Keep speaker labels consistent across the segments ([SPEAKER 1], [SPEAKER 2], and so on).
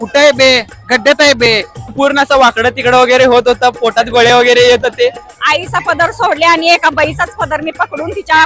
[SPEAKER 1] कुठे आहे बे, गड्ड्यात आहे बे. पूर्ण असं वाकडं तिकडं वगैरे होत होतं, पोटात गोळे वगैरे येत होते.
[SPEAKER 2] आईचा पदर सोडले आणि एका बाईचाच पदर मी पकडून तिच्या.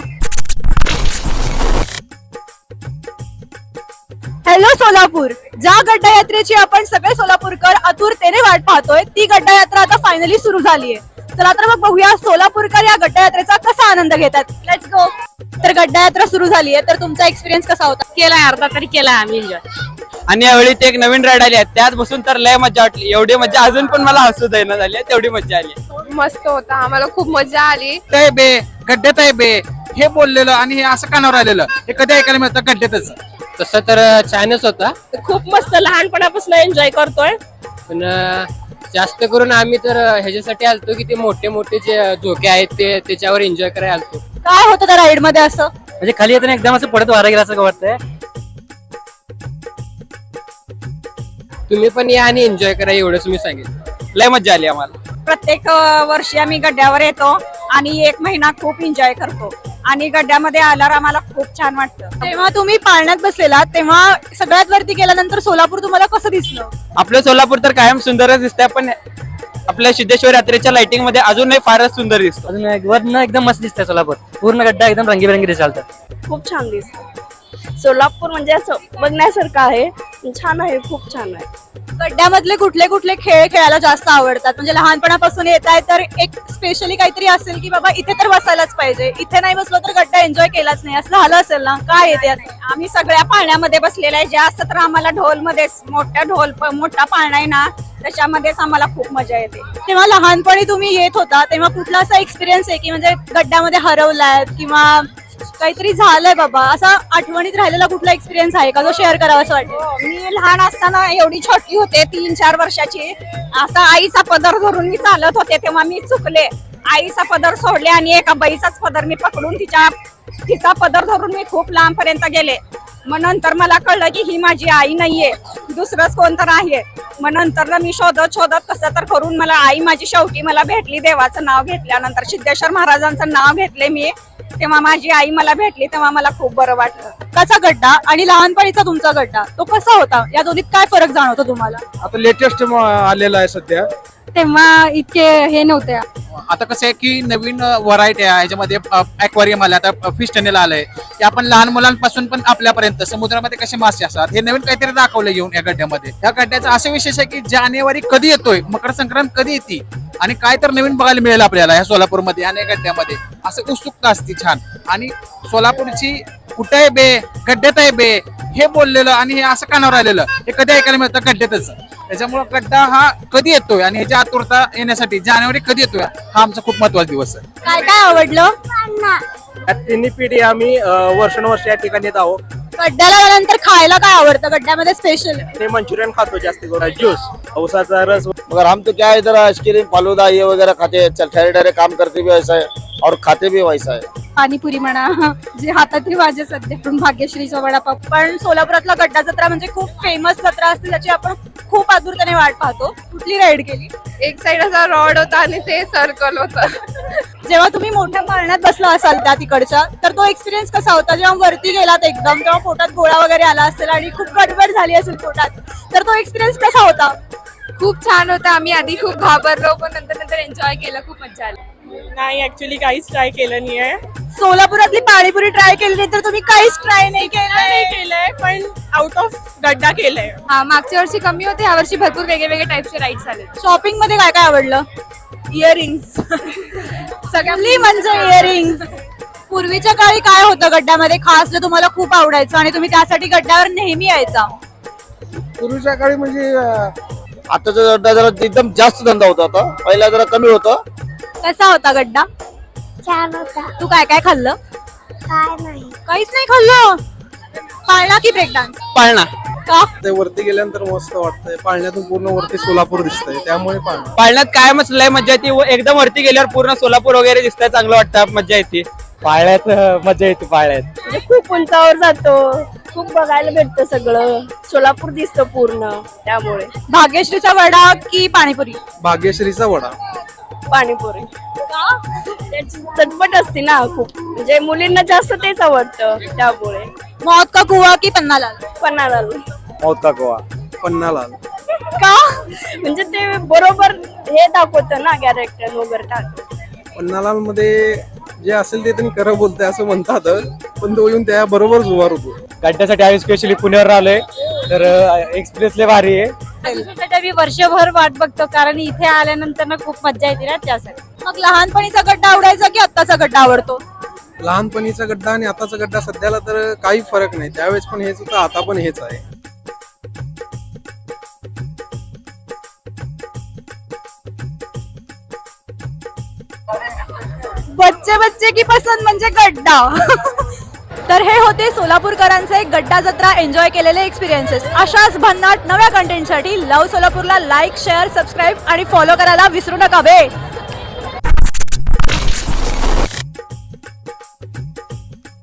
[SPEAKER 3] हॅलो सोलापूर, ज्या गड्डा यात्रेची आपण सगळे सोलापूरकर आतुरतेने वाट पाहतोय ती गड्डा यात्रा आता फायनली सुरू झालीये. चला तर मग बघूया सोलापूरकर या गड्डा यात्रेचा कसा आनंद घेतात. Let's go. तर गड्डा यात्रा सुरू झालीये, तर तुमचा एक्सपिरियन्स कसा होता?
[SPEAKER 2] केलाय अर्धा तरी केलाय आम्ही एन्जॉय.
[SPEAKER 1] आणि यावेळी ते एक नवीन राईड आली आहे, त्यात बसून तर लय मजा वाटली. एवढी मजा अजून पण मला हसू देणं झाली, तेवढी मजा आली.
[SPEAKER 4] मस्त होता, आम्हाला खूप मजा आली.
[SPEAKER 1] आहे बे, गड्ड्यात आहे बे हे बोललेलं आणि हे असं कानावर आलेलं हे कधी ऐकायला मिळतं गड्ड्यातच.
[SPEAKER 5] तसं तर छानच होता,
[SPEAKER 2] खूप मस्त लहानपणापासून एन्जॉय करतोय.
[SPEAKER 5] पण जास्त करून आम्ही तर ह्याच्यासाठी आलतो की ते मोठे मोठे जे झोके आहेत ते त्याच्यावर एन्जॉय करायला आलतो.
[SPEAKER 3] काय होतं त्या राईड मध्ये असं?
[SPEAKER 5] म्हणजे खाली येताना एकदम असं पडत वारा गेला असं वाटतंय. तुम्ही पण या आणि एन्जॉय करा, एवढंच मी सांगेन.
[SPEAKER 1] लय मजा आली आम्हाला.
[SPEAKER 2] प्रत्येक वर्षी आम्ही गड्ड्यावर येतो आणि एक महिना खूप एन्जॉय करतो आणि गड्ड्यामध्ये आल्यावर आम्हाला खूप छान वाटतं.
[SPEAKER 3] तेव्हा तुम्ही पाळण्यात बसलेला तेव्हा सगळ्यात वरती गेल्यानंतर सोलापूर तुम्हाला कसं दिसलं?
[SPEAKER 1] आपलं सोलापूर तर कायम सुंदरच दिसतंय, पण आपल्या सिद्धेश्वर यात्रेच्या लाइटिंग मध्ये अजूनही फारच सुंदर दिसतो.
[SPEAKER 5] अजून वरनं एकदम मस्त दिसतंय सोलापूर. पूर्ण गड्डा एकदम रंगीबेरंगी दिसालतं.
[SPEAKER 2] खूप छान दिसतं. सोलापूर म्हणजे असं बघण्यासारखं आहे, छान आहे, खूप छान आहे.
[SPEAKER 3] गड्ड्यामधले कुठले कुठले खेळ खेळायला जास्त आवडतात? म्हणजे लहानपणापासून येत आहे तर एक स्पेशली काहीतरी असेल की बाबा इथे तर बसायलाच पाहिजे, इथे नाही बसलो तर गड्डा एन्जॉय केलाच नाही, असं झालं असेल ना? काय येते असं?
[SPEAKER 2] आम्ही सगळ्या पाळण्यामध्ये बसलेल्या आहे. जास्त तर आम्हाला ढोलमध्येच, मोठा पाळणा आहे ना त्याच्यामध्येच आम्हाला खूप मजा येते.
[SPEAKER 3] तेव्हा लहानपणी तुम्ही येत होता तेव्हा कुठला असा एक्सपिरियन्स आहे की म्हणजे गड्ड्यामध्ये हरवलाय किंवा काहीतरी झालंय बाबा, असा आठवणीत राहिलेला कुठला एक्सपिरियन्स आहे का जो शेअर करावा असं वाटतं?
[SPEAKER 2] मी लहान असताना एवढी छोटी होते, 3-4 वर्षाची, असा आईचा पदर धरून मी चालत होते तेव्हा मी चुकले. आईचा पदर सोडले आणि एका बाईचाच पदर मी पकडून तिचा पदर धरून मी खूप लांब पर्यंत गेले. मग नंतर मला कळलं की ही माझी आई नाहीये, दुसरंच कोणतर आहे. मग नंतर मी शोधत कसं तर करून मला आई माझी शेवटी मला भेटली. देवाचं नाव घेतल्यानंतर सिद्धेश्वर महाराजांचं नाव घेतले मी, तेव्हा माझी आई मला भेटली, तेव्हा मला खूप बरं वाटलं.
[SPEAKER 3] कसा गड्डा आणि लहानपणीचा तुमचा गड्डा तो कसा होता? या दोन्हीत काय फरक जाणवतो तुम्हाला?
[SPEAKER 6] आता लेटेस्ट आलेला आहे सध्या.
[SPEAKER 3] तेव्हा इतके हे नव्हते.
[SPEAKER 1] आता कसं आहे की नवीन व्हरायटी आहे ह्याच्यामध्ये. ॲक्वारियम आलं, आता फिश टनेल आलंय, की आपण लहान मुलांपासून पण आपल्यापर्यंत समुद्रामध्ये कसे मासे असतात हे नवीन काहीतरी दाखवलं घेऊन या गड्ड्यामध्ये. या गड्ड्याचा असं विशेष आहे की जानेवारी कधी येतोय, मकर संक्रांत कधी येते आणि काय तर नवीन बघायला मिळेल आपल्याला ह्या सोलापूरमध्ये आणि या गड्ड्यामध्ये, असं उत्सुकता असते छान. आणि सोलापूरची कुठे आहे बे, गड्ड्यात आहे बे हे बोललेलं आणि हे असं कानावर आलेलं हे कधी ऐकायला मिळतं गड्ड्यातच. त्याच्यामुळे गड्डा हा कधी येतोय आणि ह्याच्या आतुरता येण्यासाठी जानेवारी कधी येतोय हा आमचा खूप महत्वाचा दिवस आहे.
[SPEAKER 3] काय काय आवडलं?
[SPEAKER 6] या तिन्ही पिढी आम्ही वर्षानुवर्ष या ठिकाणी येत आहोत.
[SPEAKER 3] गड्ड्याला आल्यानंतर खायला काय आवडतं गड्ड्यामध्ये स्पेशल?
[SPEAKER 6] ते मंचुरियन खातो जास्त करून, ज्यूस, औसाचा रस.
[SPEAKER 7] मगर हम तो क्या है, इधर आइसक्रीम फालूदा ये वगैरह खाते हैं, ठहरे ठहरे काम करते भी वैसा है और खाते भी वैसा है.
[SPEAKER 3] पाणीपुरी म्हणा, जे हातातली भाजी सध्या भाग्यश्रीचा वडापाव. पण सोलापुरातला गड्डा जत्रा म्हणजे खूप फेमस जत्रा असते, ज्याची आपण खूप आतुरतेने वाट पाहतो. कुठली राईड केली?
[SPEAKER 4] एक साइड असा रॉड होता आणि ते सर्कल होता.
[SPEAKER 3] जेव्हा तुम्ही मोठ्या पाळण्यात बसला असाल त्या तिकडच्या, तर तो एक्सपिरियन्स कसा होता? जेव्हा वरती गेलात एकदम तेव्हा पोटात गोळा वगैरे आला असेल आणि खूप गडबड झाली असेल पोटात, तर तो एक्सपिरियन्स कसा होता?
[SPEAKER 4] खूप छान होता. आम्ही आधी खूप घाबरलो पण नंतर एन्जॉय केलं, खूप मजा आली.
[SPEAKER 2] नाही, ऍक्च्युली काहीच ट्राय केलं नाहीये.
[SPEAKER 3] सोलापुरातली पाणीपुरी ट्राय केली नाही तर तुम्ही काहीच ट्राय नाही
[SPEAKER 2] केलंय, पण आउट ऑफ गड्डा केलंय.
[SPEAKER 4] हा, मागच्या वर्षी कमी होते, ह्या वर्षी भरपूर वेगळे टाइपचे राईड्स आले.
[SPEAKER 3] शॉपिंग मध्ये काय काय आवडलं?
[SPEAKER 2] इयरिंग्स
[SPEAKER 3] सगळी म्हणजे इयरिंग्स. पूर्वीच्या काळी काय होतं गड्ड्यामध्ये खास जे तुम्हाला खूप आवडायचं आणि तुम्ही त्यासाठी गड्ड्यावर नेहमी यायचा?
[SPEAKER 6] पूर्वीच्या काळी म्हणजे
[SPEAKER 7] आताचा गड्डा जरा एकदम जास्त धंदा होता, आता पहिला जरा कमी होता.
[SPEAKER 3] कसा होता गड्डा?
[SPEAKER 8] छान होता.
[SPEAKER 3] तू काय काय खाल्लं?
[SPEAKER 8] काय नाही.
[SPEAKER 3] काहीच नाही खाल्लं. पाळणा की ब्रेक डान्स?
[SPEAKER 1] पाळणा.
[SPEAKER 3] का?
[SPEAKER 6] ते वरती गेल्यानंतर मस्त वाटतंय. पाळण्यातून पूर्ण वरती सोलापूर दिसतंय, त्यामुळे पाळणा.
[SPEAKER 1] पाळण्यात कायमच लय मजा येते. एकदम वरती गेल्यावर पूर्ण सोलापूर वगैरे दिसतंय, चांगलं वाटतं, मजा येते.
[SPEAKER 5] पाळण्यात मजा येते. पाळण्यात
[SPEAKER 2] म्हणजे खूप उंचावर जातो, खूप बघायला भेटतं, सगळं सोलापूर दिसतं पूर्ण. त्यामुळे
[SPEAKER 3] भाग्यश्रीचा वडा की पाणीपुरी?
[SPEAKER 6] भाग्यश्रीचा वडा.
[SPEAKER 2] पाणीपुरी त्याची चटपट असते ना खूप, म्हणजे मुलींना जास्त तेच आवडतं, त्यामुळे.
[SPEAKER 3] मौत का कुआ की पन्नालाल?
[SPEAKER 2] पन्हाळा.
[SPEAKER 7] मौत का कुआ.
[SPEAKER 6] पन्नालाल.
[SPEAKER 3] का म्हणजे ते बरोबर हे दाखवतं ना कॅरेक्टर वगैरे.
[SPEAKER 6] पन्नालाल मध्ये जे असेल ते त्यांनी खरं बोलतंय असं म्हणतात, पण तो येऊन त्या बरोबरच उभा होतो.
[SPEAKER 9] गड्ड्यासाठी आम्ही स्पेशली पुण्यावर आलोय, तर एक्सपिरियन्स लय भारी आहे.
[SPEAKER 2] मी वर्षभर वाट बघतो, कारण इथे आल्यानंतर ना खूप मजा येते ना त्यासाठी.
[SPEAKER 3] मग लहानपणीचा गड्डा आवडायचा की आत्ताचा गड्डा आवडतो?
[SPEAKER 6] लहानपणीचा गड्डा आणि आताचा गड्डा सध्याला तर काही फरक नाही. त्यावेळेस पण हेच होतं, आता पण हेच आहे.
[SPEAKER 3] बच्चे बच्चे की पसंत म्हणजे गड्डा. तर हे होते सोलापूरकरांचे गड्डा जत्रा एन्जॉय केलेले एक्सपिरियन्सेस. अशाच भन्नाट नव्या कंटेंटसाठी लव सोलापूरला लाईक, शेअर, सबस्क्राईब आणि फॉलो करायला विसरू नका बे.